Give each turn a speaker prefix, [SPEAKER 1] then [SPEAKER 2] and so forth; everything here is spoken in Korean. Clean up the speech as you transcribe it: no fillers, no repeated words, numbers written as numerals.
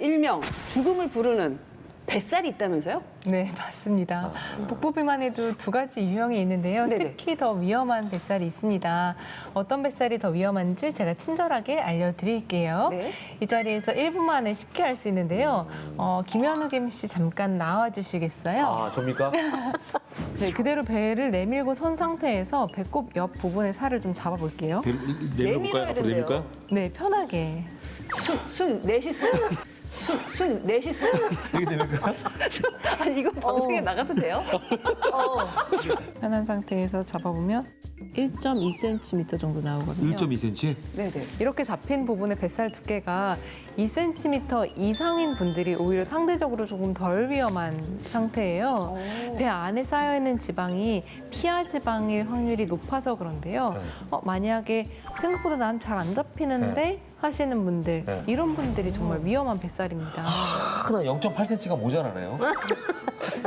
[SPEAKER 1] 일명 죽음을 부르는 뱃살이 있다면서요?
[SPEAKER 2] 네, 맞습니다. 복부비만 해도 두 가지 유형이 있는데요.
[SPEAKER 1] 네네.
[SPEAKER 2] 특히 더 위험한 뱃살이 있습니다. 어떤 뱃살이 더 위험한지 제가 친절하게 알려드릴게요.
[SPEAKER 1] 네.
[SPEAKER 2] 이 자리에서 1분 만에 쉽게 할 수 있는데요. 김현욱 MC 잠깐 나와주시겠어요?
[SPEAKER 3] 아, 접니까?
[SPEAKER 2] 네, 그대로 배를 내밀고 선 상태에서 배꼽 옆 부분의 살을 좀 잡아볼게요.
[SPEAKER 1] 내밀어야 된대요.
[SPEAKER 3] 내밀까요?
[SPEAKER 2] 네, 편하게.
[SPEAKER 1] 숨 내쉬세요. 숨 내쉬세요.
[SPEAKER 3] 이게 되는 거야?
[SPEAKER 1] 아니, 이거 방송에 나가도 돼요?
[SPEAKER 2] 편한 상태에서 잡아보면 1.2cm 정도 나오거든요.
[SPEAKER 3] 1.2cm?
[SPEAKER 1] 네네.
[SPEAKER 2] 이렇게 잡힌 부분의 뱃살 두께가 2cm 이상인 분들이 오히려 상대적으로 조금 덜 위험한 상태예요. 배 안에 쌓여있는 지방이 피하 지방일 확률이 높아서 그런데요. 만약에 생각보다 난 잘 안 잡히는데 하시는 분들,
[SPEAKER 3] 네.
[SPEAKER 2] 이런 분들이 정말 위험한 뱃살입니다.
[SPEAKER 3] 하나 0.8cm가 모자라네요.